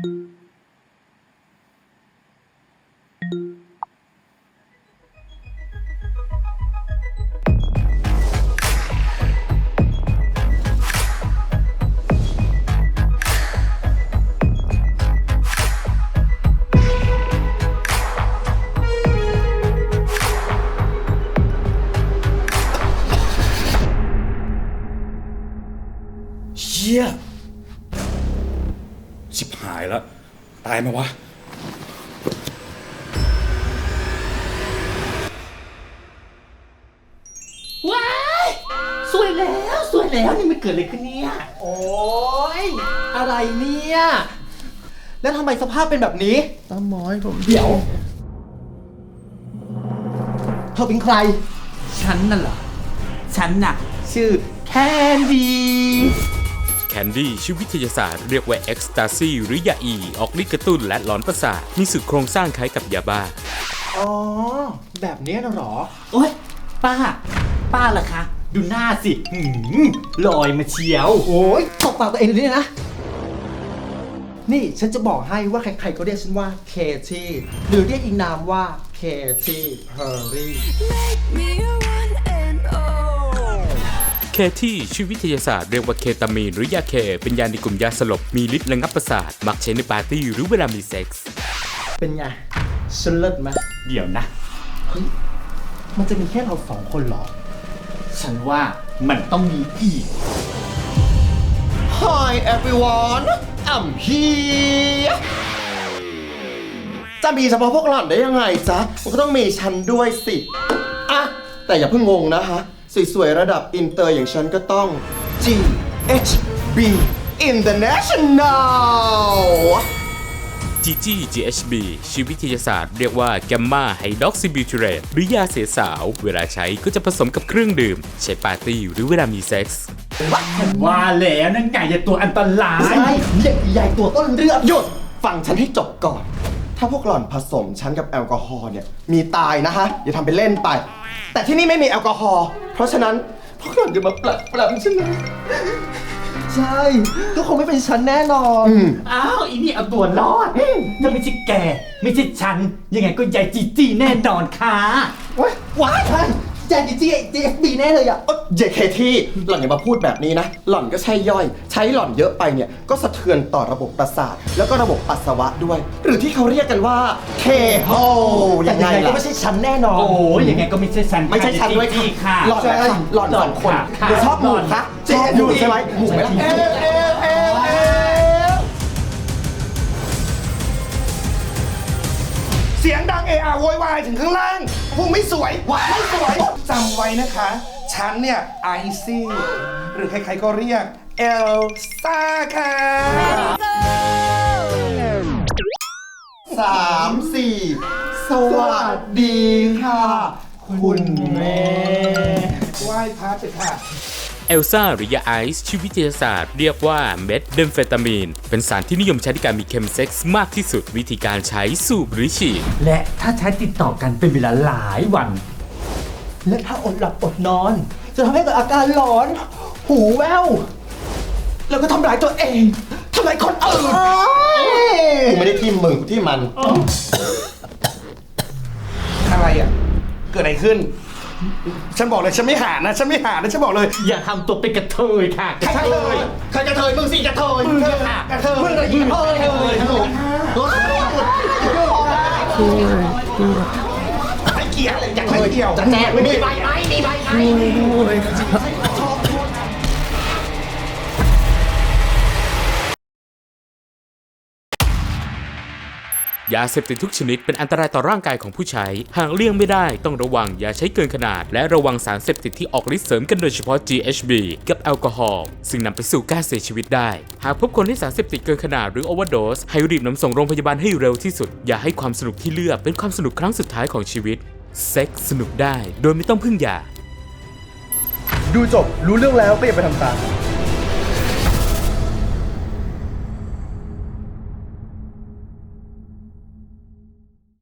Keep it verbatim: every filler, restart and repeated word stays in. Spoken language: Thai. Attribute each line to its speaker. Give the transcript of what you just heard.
Speaker 1: เชี่ยชิบหายแล้วตายไหมวะ
Speaker 2: ว้ายสวยแล้วสวยแล้วนี่มันเกิดอะไรขึ้นเนี่ยโอ้ยอะไรเนี่ยแล้วทำไมสภาพเป็นแบบนี้ตามหมอยผมเดี๋ยวเธอเป็นใครฉันน่ะเหรอฉันน่ะชื่อแคนดี้
Speaker 3: แคนดี้ชื่อวิทยาศาสตร์เรียกว่าเอ็กซ์ตาซีหรือยาอีออกฤทธิ์กระตุ้นและหลอนประสาทมีสื่อโครงสร้างคล้ายกับยาบ้า
Speaker 2: อ๋อแบบนี้นะหรอโอ๊ยป้าป้าเหรอคะดูหน้าสิหืมลอยมาเชียวโอ้ยตบปากตัวเองเลยนี่นะนี่ฉันจะบอกให้ว่าใครๆก็เรียกฉันว่าเคที่หรือเรียกอีกนามว่าเคที่เพอร์รี่
Speaker 3: เคที่ชื่อวิทยาศาสตร์เรียกว่าเคตามีนหรือยาเคเป็นยาในกลุ่มยาสลบมีฤทธิ์ระงับประสาทมักใช้ในปาร์ตี้หรือเวลามีเซ็กส์
Speaker 2: เป็นไงฉันเลิศไหมเดี๋ยวนะเฮ้ยมันจะมีแค่เราสองคนหรอฉันว่ามันต้องมีอีก Hi everyone I'm here
Speaker 4: จะมีเฉพาะพวกหล่อนได้ยังไงจ๊ะมันก็ต้องมีฉันด้วยสิอะแต่อย่าเพิ่งงงนะคะสวยๆระดับอินเตอร์อย่างฉันก็ต้อง G H B International
Speaker 3: จีจี จี เอช บี ชื่อวิทยาศาสตร์เรียกว่าแกมมาไฮดรอกซิบิวทเรตหรือยาเสียสาวเวลาใช้ก็จะผสมกับเครื่องดื่มใช้ปาร์ตี้หรือเวลามีเซ็กส์
Speaker 2: ว่าแล้วนั่นไก่ใหญ่ตัวอันตรายใช่เด็กใหญ่ตัวต้นเรื่อง
Speaker 4: หยุดฟังฉันให้จบก่อน ถ้าพวกหล่อนผสมฉันกับแอลกอฮอล์เนี่ยมีตายนะคะอย่าทำเป็นเล่นไปแต่ที่นี่ไม่มีแอลกอฮอล์เพราะฉะนั้นพวกหล่อนอย่ามาปลักปลังฉันนะ
Speaker 2: ใช่ก็คงไม่เป็นฉันแน่นอนอ้าวอีนี่เอาตัวรอดถ้าไม่ใช่แกไม่ใช่ฉันยังไงก็ยายจีจีแน่นอนค่ะว้ายว้ายท่านยายจีจีจีเอฟบีแน่เลยอ่ะ
Speaker 4: เจเคที่หล่อนอย่ามาพูดแบบนี้นะหล่อนก็ใช่ย่อยใช้หล่อนเยอะไปเนี่ยก็สะเทือนต่อระบบประสาทแล้วก็ระบบปัสสาวะด้วยหรือที่เขาเรียกกันว่าเคโฮ
Speaker 2: ยังไงก็ไม่ใช่ฉันแน่นอนโอ้ยยังไงก็ไม่ใช่ฉัน
Speaker 4: ไม่ใช่ฉันด้วยค่ะหล่อนค่ะหล่อนสองคนเดี๋ยวชอบหมูคะชอบหมูใช่ไหมหมูไหมล่ะเอลเอลเอลเอลเสียงดังเออาโวยวายถึงข้างล่างพวกไม่สวยไม่สวยจำไว้นะคะฉันเนี่ยไอซี่หรือใครๆก็เรียกเอลซ่าค่ะสามสี่สวัสดีค่ะคุณแม่ไหว้พระเถอะค่ะ
Speaker 3: เอลซ่าหรือยาไอซ์ชื่อวิทยาศาสตร์เรียกว่าเมทเดมเฟตามีนเป็นสารที่นิยมใช้ในการมีเคมเซ็กซ์มากที่สุดวิธีการใช้สูบหรือฉีด
Speaker 2: และถ้าใช้ติดต่อกันเป็นเวลาหลายวันและถ้าอดหลับอดนอนจะทำให้เกิดอาการหลอนหูแว่วแล้วก็ทำร้ายตัวเองทำร้ายคนอื่น
Speaker 4: กูไม่ได้ทิ่มมึงที่มันอะไรอ่ะเกิดอะไรขึ้นฉันบอกเลยฉันไม่หานะฉันไม่หานะฉันบอกเลย
Speaker 2: อย่าทำตัวเป็นกระเทยค่ะ
Speaker 4: กระเทยใครกระเทยมึงสิกระเทยมึงค่ะกระเทยมึงเลยกระเทยไม่เกี่ยวอยากไม่เกี่ยว
Speaker 2: จะแน่ไม่มีใบไม้มีใบไม้
Speaker 3: ยาเสพติดทุกชนิดเป็นอันตรายต่อร่างกายของผู้ใช้หากเลี่ยงไม่ได้ต้องระวังอย่าใช้เกินขนาดและระวังสารเสพติดที่ออกฤทธิ์เสริมกันโดยเฉพาะ จี เอช บี กับแอลกอฮอล์ซึ่งนำไปสู่การเสียชีวิตได้หากพบคนที่สารเสพติดเกินขนาดหรือโอเวอร์โดสให้รีบนำส่งโรงพยาบาลให้เร็วที่สุดอย่าให้ความสนุกที่เลือกเป็นความสนุกครั้งสุดท้ายของชีวิตเซ็กส์สนุกได้โดยไม่ต้องพึ่งยา
Speaker 4: ดูจบรู้เรื่องแล้วก็อย่าไปทำตาม